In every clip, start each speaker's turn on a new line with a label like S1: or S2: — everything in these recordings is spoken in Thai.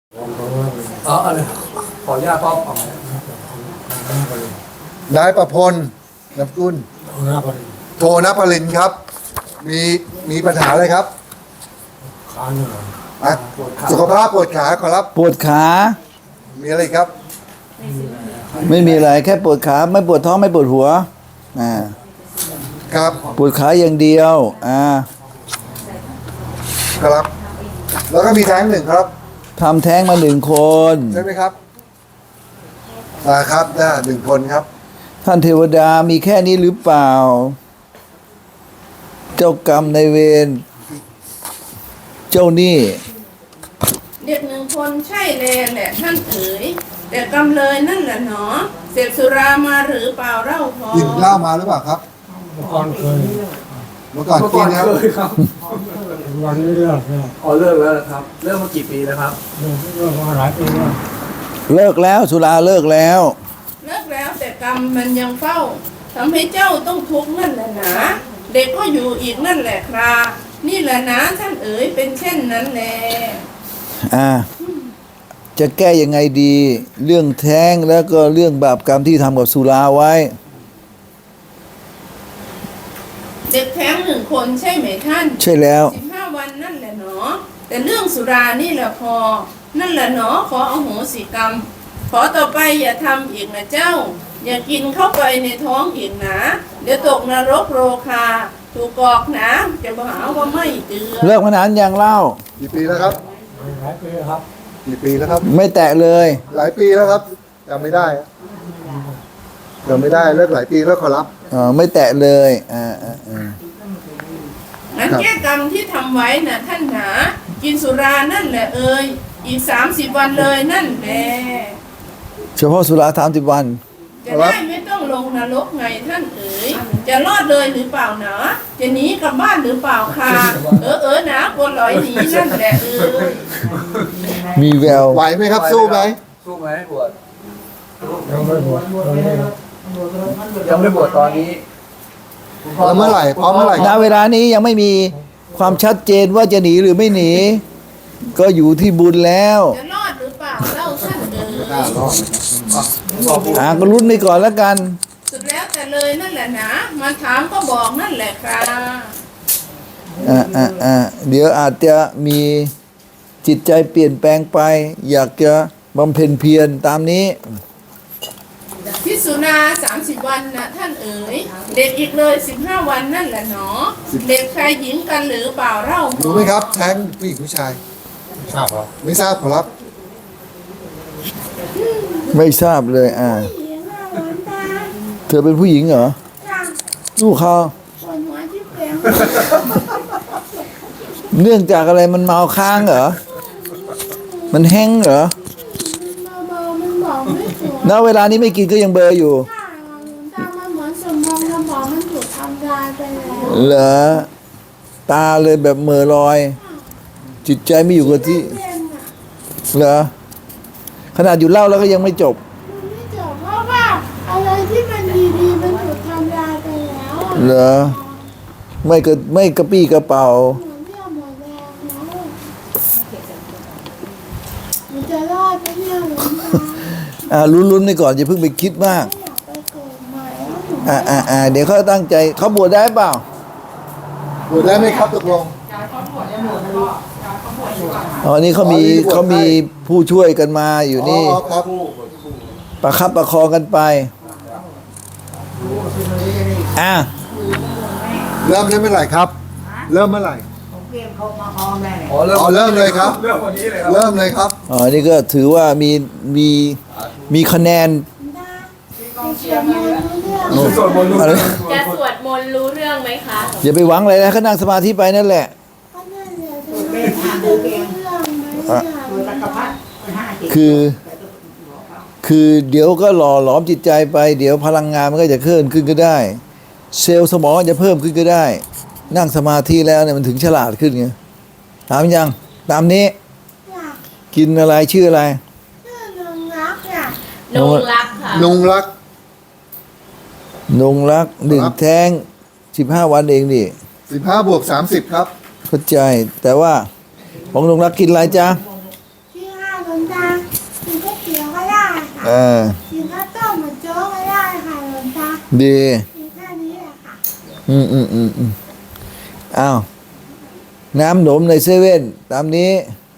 S1: อะไรขออนุญาตป้อมของ
S2: นายประพลนามสกุลโทนภรินทร์ครับ มีปัญหาอะไรครับ
S1: ขาเหนื่อย
S2: อ่ะสุขภาพปวดขาขอรับ
S3: ปวดขา
S2: มีอะไรครับ
S3: ไม่มีอะไรแค่ปวดขาไม่ปวดท้องไม่ปวดหัว
S2: ครับ
S3: ปวดขาอย่างเดียว
S2: ครับ แล้วก็มีแท้งหนึ่งครับ
S3: ทำแท้งมา1 คน
S2: ใช่ไหมครับครับหนึ่งคนครับ
S3: ท่านเทวดามีแค่นี้หรือเปล่า เจ้ากรรมในายเวรเจ้าหนี้
S4: เด็ก1 คนใช่แหละท่านเอ๋ยแต่กำเลยนั่นแหละหนอเสพสุรามาหรือเปล่าเล่าพอ
S2: กินเหล้ามาหรือเปล่าครับ
S1: เมื่อก่อนเคย
S2: เมื่อก่อนกินนะครับ
S1: เคยครับวันนี้เลิกแล้วอ๋อเลิกแล้วครับเลิกมากี่ปีแล้วครับเลิกมาหลายปีแล้ว
S3: เลิกแล้วสุราเลิกแล้ว
S4: เลิกแล้วแต่กรรมมันยังเฝ้าทำให้เจ้าต้องทุกข์นั่นแหละหนาเด็กก็อยู่อีกนั่นแหละครานี่แหละนะท่านเอ๋ยเป็นเช่นนั้นแหละ
S3: จะแก้ยังไงดี เรื่องแท้งแล้วก็เรื่องบาปกรรมที่ทำกับสุราไว้
S4: เด็กแท้ง1 คนใช่ไหมท่าน
S3: ใช่แล้ว
S4: 15 วันนั่นแหละหนอแต่เรื่องสุรานี่แหละพอนั่นแหละหนอขออโหสิกรรมขอต่อไปอย่าทำอีกนะเจ้า อย่ากินเข้าไปในท้องอีกนะเดี๋ยวตกนรกโรคาถูกกอกนะจะหาว่าไม่เตือน
S3: เลิกมานานยังเล่า
S2: กี่ปีแล้วครับ
S1: หลายปีครับ
S2: กี่ปีแล้วครับ
S3: ไม่แตะเลย
S2: หลายปีแล้วครับจำไม่ได้เลิกหลายปีแล้วขอรับ
S3: ไม่แตะเลย
S4: งั้นแก้กรรมที่ทำไว้น่ะท่านหนากินสุรานั่นแหละเอ่ยอีก30 วันเลยนั่นแหละ
S3: เฉพาะสุรา30 วัน
S4: จะได้ไม่ต้องลงนรกไงท่านเอ๋ยจะรอดเลยหรือเปล่าหนาจะหนีกลับบ้านหรือเปล่าค่ะหนากลัวลอยหนีนั่นแหละเอ๋ย
S3: มีแวว
S2: ไหวไหมครับ สู้ไหม
S1: สู้ไหมบวชยังไม่บวชตอนนี้ยังไม่บวชตอนนี้
S2: แล้วเมื่อไหร่พร้อมเมื่อไหร่
S3: ณเวลานี้ยังไม่มีความชัดเจนว่าจะหนีหรือไม่หนี ก็อยู่ที่บุญแล้ว
S4: จะรอดหรือเปล่าเล่าท่านเอ๋ย
S3: ก็ลุ้นไปก่อนแล้วกัน
S4: สุดแล้วแต่เลยนั่นแหละนะมาถามก็บอกนั่นแหละครับ
S3: เดี๋ยวอาจจะมีจิตใจเปลี่ยนแปลงไป อยากจะบำเพ็ญเพียรตามนี้
S4: พิสุนา30 วันนะท่านเอ๋ยเด็กอีกเลย15 วันนั่นแหละหนอเด็กชายหญิงกันหรือเปล่าเล่า
S2: รู้ไหมครับแท้งผู้หญิงผู้ชาย
S1: ทราบครับ
S2: ไม่ทราบขอรับ
S3: ไม่ทราบเลยเธอเป็นผู้หญิงเหรอลูกเขาเนื่องจากอะไรมันเมาค้างเหรอมันแห้งเหรอณเวลานี้ไม่กินก็ยังเบลออยู่เหรอตาเลยแบบเหม่อลอย จิตใจไม่อยู่กับที่เหรอขนาดอยู่เล่าแล้วก็ยังไม่จบ
S5: ไม่จบเพราะว่าอะไรที่มันดีๆมันถูกทำลายไปแล้ว
S3: เหรอไม่กระปี้กระเป๋า
S5: หมุนเที่ยวหมดแรงแล้วมันจะรอดไหมเนี่ยหลวงตา
S3: ลุ้นๆไปก่อนอย่าเพิ่งไปคิดมาก
S5: ไม่อยากไปเกิดใหม่แล้วหนู
S3: เดี๋ยวเขาตั้งใจเขาบวชได้เปล่า
S2: บวชได้ไหมครับตกลง
S3: นี่เขามีผู้ช่วยกันมาอยู่นี่
S2: อ๋อครับ
S3: ประคับประคองกันไป
S2: เริ่มได้เมื่อไหร่ครับ เริ่มเมื่อไหร่
S1: อ๋อ
S2: อ๋อเริ่มเลยครับ
S1: เริ่มวันนี้เลยครับ
S2: เริ่มเลยครับ
S3: นี่ก็ถือว่ามีคะแนน
S5: เขียนมารู้เรื่อง
S1: สวดมนต์
S3: อะไร
S6: จะสวดมนต์รู้เรื่องไหมคะ
S3: อย่าไปหวังอะไรนะเขานั่งสมาธิไปนั่นแหละ
S5: ก็นั่นแหละจะรู้เรื่องไหมเนี่ย
S3: คือเดี๋ยวก็หล่อหลอมจิตใจไป เดี๋ยวพลังงานมันก็จะเพิ่มขึ้นก็ได้ เซลล์สมองจะเพิ่มขึ้นก็ได้ นั่งสมาธิแล้วเนี่ยมันถึงฉลาดขึ้นไงถามยังตามนี้
S5: อยาก
S3: กินอะไรชื่ออะไร
S5: ชื่อนึงรักอ่ะ
S6: นงรักค่ะ
S2: นุงรัก
S3: นงรัก1 แท้ง15 วันเองดิ
S2: 15 บวก 30 ครับ
S3: เข้าใจแต่ว่าของนงรักกินอะไรจ๊ะ
S5: ที่5 นลวงตากินก๋วยเตี๋ยวก็ได้ค่ะ กินข้าวต้มเหมือนโจ๊กก็ได้ค่ะหลวงตา
S3: ดี
S5: กินแค่นี้แหละค่ะ
S3: อ้าว น้ำหนมในเซเว่นตามนี้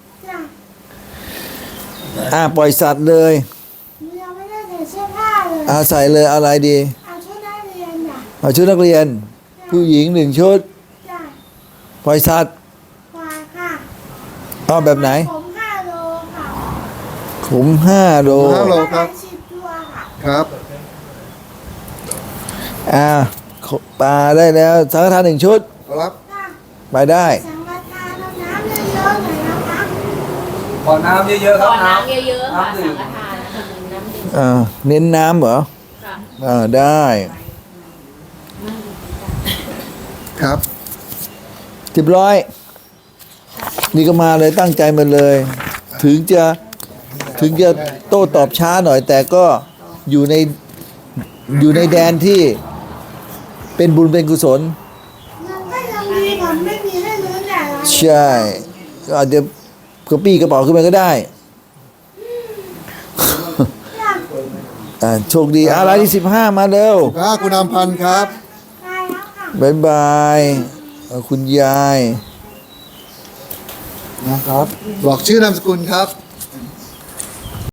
S5: จ้ะ
S3: ปล่อยสัตว์เลย
S5: หนูยังไม่ได้ใส่เสื้อผ้าเลย
S3: ใส่เลยอะไรดี
S5: เอาชุดนักเรียนจ้ะ
S3: เอาชุดนักเรียน ผู้หญิง1 ชุด
S5: จ้ะ
S3: ปล่อยสัตว์
S5: ควายค่ะ
S3: เอาแบบไหน
S5: ผม5 โลค่ะ
S3: ขุม5 โล
S2: 5 โลครับ
S5: 10 ตัวค่ะ
S2: ครับ
S3: ปลาได้แล้วสังฆทาน1 ชุด
S2: ครับ
S5: จ้ะ
S3: ไปได้
S5: สังฆทานเอาน้ำเยอะๆหน่อยนะคะ
S1: ขอน้ำเยอะๆค
S6: ข
S1: รับ
S6: อน้ำเยอะๆค่ะ
S1: น้ำดื่
S6: สัง
S1: ม
S6: ฆทานนะคะน้ำดื่ม
S3: เน้นน้ำเหรอ
S6: ค่ะ
S3: ได้
S2: ครับ
S3: 10นี่ก็มาเลยตั้งใจมาเลย ถึงจะโต้ตอบช้าหน่อย แต่ก็อยู่ในแดนที่เป็นบุญเป็นกุศล
S5: มันก็ยังดีกว่าไม่มีให้ลุ้นแต่ละ
S3: ใช่ก็อาจจะกระปี้กระเป๋าขึ้นมาก็ได้
S5: จ้ะ
S3: โชคดีอะไรที่15มาเร็ว
S2: คุณอำพันธ์ครับ
S5: ได้แล้วค่ะ
S3: บายบายคุณยาย
S2: นะครับ บอกชื่อนามสกุลครับ